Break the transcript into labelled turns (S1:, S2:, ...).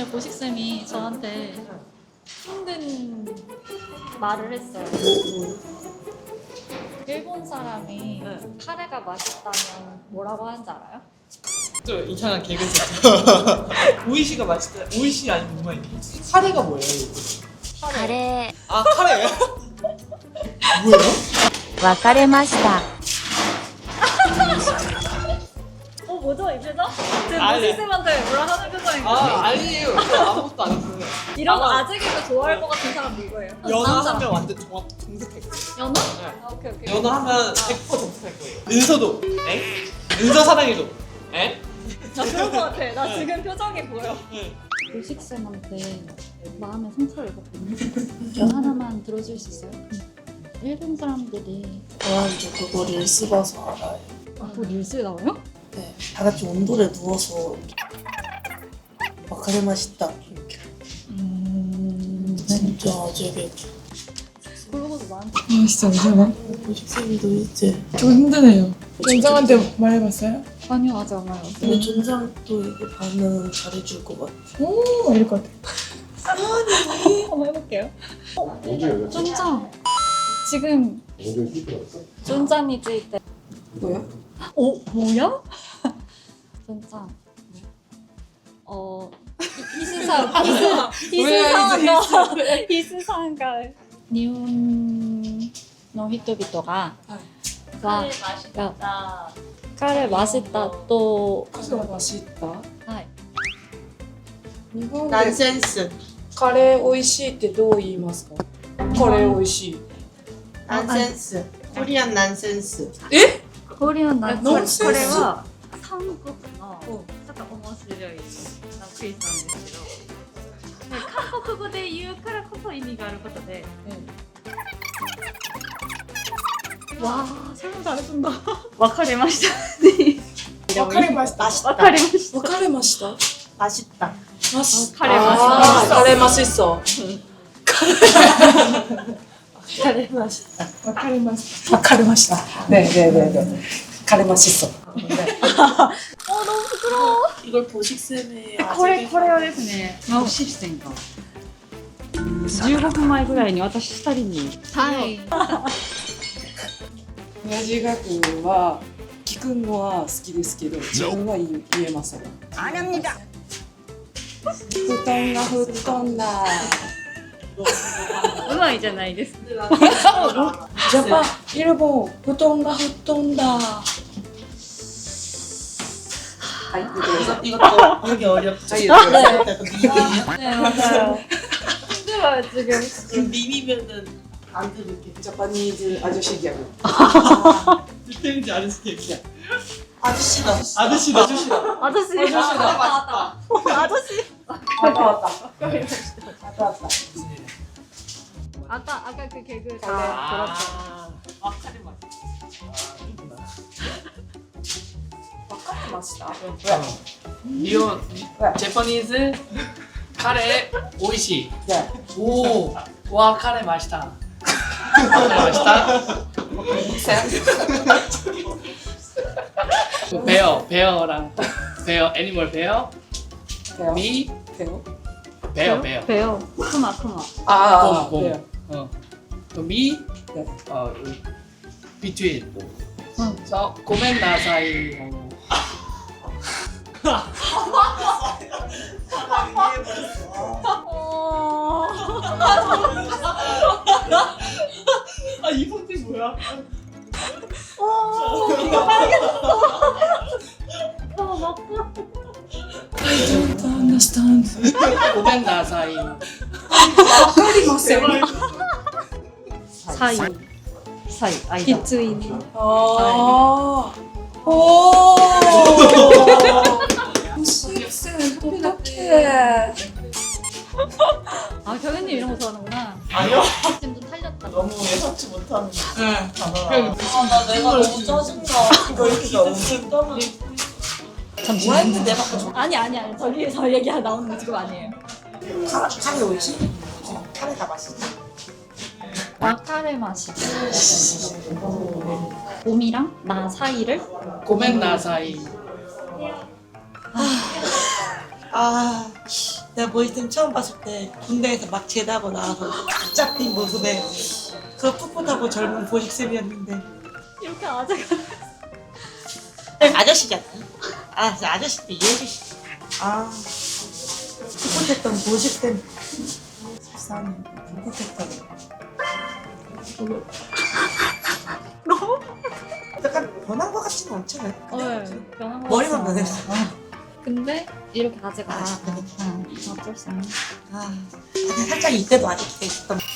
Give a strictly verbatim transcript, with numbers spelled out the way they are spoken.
S1: 오늘 보식쌤이 저한테 힘든 말을 했어요. 일본 사람이
S2: 네.
S1: 카레가 맛있다면 뭐라고 하는지 알아요?
S2: 또 이상한 개그죠. 오이시가 맛있다. 오이시 아니면 뭐가 있니? 카레가 뭐예요? 이거?
S3: カレ
S2: 아 카레. 뭐예요?
S3: ー別れました
S1: 어 뭐죠 이 표정? 지금
S2: 아니.
S1: 보식쌤한테 뭐라 하는 표정인가요?
S2: 아 아니에요. 저 아무것도 안 했어요.
S1: 이런 거
S2: 아,
S1: 아재 개그 좋아할 것 같은 사람 누구예요?
S2: 연하
S1: 남자.
S2: 하면 완전 정확 정색할 거예요.
S1: 연하?
S2: 네.
S1: 아 오케이 오케이.
S2: 연하 하면 백 퍼센트 정색할 거예요. 은서도. 에? 은서 사랑해도. 에?
S1: 나 그런 거 같아. 나 지금 표정이 보여.
S2: 네.
S1: 보식쌤한테 마음의 상처를 입었거든요. 하나만 들어줄 수 있어요? 일본 사람들이
S4: 저한테 그거 릴스 봐서 알아요.
S1: 아, 뭐 릴스에 나와요?
S4: 네, 다 같이 온돌에 누워서 와카레 맛있다 이렇게.
S1: 음...
S4: 진짜 아재개.
S1: 그러고도 나한테
S5: 아 진짜 무서워.
S4: 보식쌤이도 이제
S5: 좀 힘드네요. 전장한테 말해봤어요?
S1: 아니요 아직 안 와요.
S4: 근데 전장도 이게 반응 잘해줄 것 같아.
S5: 오 이럴 것 같아.
S1: 한번 해볼게요.
S6: 언제 연락?
S1: 쫀짱 지금
S6: 언제 삐뚤었어?
S1: 쫀짱이 찔 때.
S4: 뭐야?
S1: 어 뭐야? 쫀짱. 어 이- 히스상 히스 히스상가 히스상가 일본の人々がががカレー맛있다と
S5: 카레가 맛있다.
S1: はい
S5: 日本で
S4: 난센스.
S5: カレー美味しいってどう言いますか？カレー美味しい。
S4: 난센스. 코리안 난센스.
S1: コリアンなこれ
S5: ノンセンス
S1: は韓国のちょっと面白いクイズなんですけど、で韓国語で言うからこそ意味があることで、わあ、설명 잘해준다. わかりましたね。
S5: わかりました。
S4: 맛있다.
S1: わかりました。
S5: わかりました。
S4: 맛있다.
S5: 맛있.
S1: 카레 맛있다.
S5: 아, 카레 맛있어.
S4: 카레 맛있다.
S5: わかりました。わかりました。ねねねね。カレー맛있어.
S1: 어 너무 부끄러워.
S4: 이걸 보식쌤의
S7: これ
S4: 아재개.
S7: これはですね、マウシステンがじゅうごふんまえぐらいに私ふたりに
S1: はい。
S5: 親父学は聞くのは好きですけど、自分は言え言えません。あらみだ。布団が吹っ飛んだ。
S7: うまいじゃないですか。
S5: ジャパン、일본布団が吹っ飛んだ。
S4: 이거 이것도 여기 어렵죠.
S1: 네. 네 맞아요. 힘들어요 지금.
S4: 지금 밈이면은 안 들을게.
S5: ジャパニーズアジャシギャグ。
S2: 뒷땡지 아저씨 개기야.
S4: 아저씨다.
S2: 아저씨다. 아저씨다.
S1: 아저씨. 아저씨다. 왔다 왔다. 아저씨.
S5: 왔다 왔다. 왔다 왔다.
S1: 아까 아까 그 개그 전에
S2: 아,
S1: 들었죠.
S2: 아 카레 맛.
S5: 와카레 맛있다.
S2: 리온 제퍼니즈 카레 오이시.
S5: 네.
S2: 오, 와 카레 맛있다. 카레 맛있다. 그 베어, 베어랑 베어, 애니멀 베어,
S5: 배워.
S2: 미,
S5: 배워.
S2: 베어, 베어.
S7: 배요. 크마 크마.
S5: 아,
S2: 곰,
S5: 배워.
S2: 곰. 어. 또 미,
S5: 네.
S2: 어, 비트윈. 서 고멘 나사이. 아, 이 폰트 뭐야?
S5: I don't understand.
S2: 고멘 나사이.
S7: 사이. 사이. 아이다.
S1: 비트윈.
S5: 아. 오. 무식쌤 어떡해.
S1: 아 경현님 이런 거 좋아하는구나.
S2: 아니요.
S1: 지금 좀 탈렸다.
S4: 너무 예상치 못하는
S2: 응.
S4: 단어라. 아나 내가 너무 짜증나. 이거 이렇게 너무 떠는. 뭐 했는데 내가
S1: 아니 아니 아니 저기 저 얘기 나오는 거 지금 아니에요.
S4: 카레 카레 오이시? 카레가 맛있다.
S1: 와카레 맛이. 봄이랑 나 사이를
S2: 고멘 나사이.
S4: 아 내가 모이쌤 처음 봤을 때 군대에서 막 제대하고 나와서 쫙 핀 모습에 그 풋풋하고 젊은 보식쌤이었는데
S1: 이렇게 아재가
S4: 아저씨잖아. 아, 저 아저씨도 이해해주시. 아, 풋풋했던 보식쌤. 불쌍해. 풋풋했던. 너무 약간 변한 것 같지는 않잖아요.
S1: 네, 변한 거
S4: 머리만
S1: 같아요.
S4: 변했어.
S1: 근데 이렇게 아재가
S4: 아,
S1: 됐어.
S4: 그래.
S1: 응, 어쩔 수 없네.
S4: 아, 근데 살짝 이때도 아직도 있었던.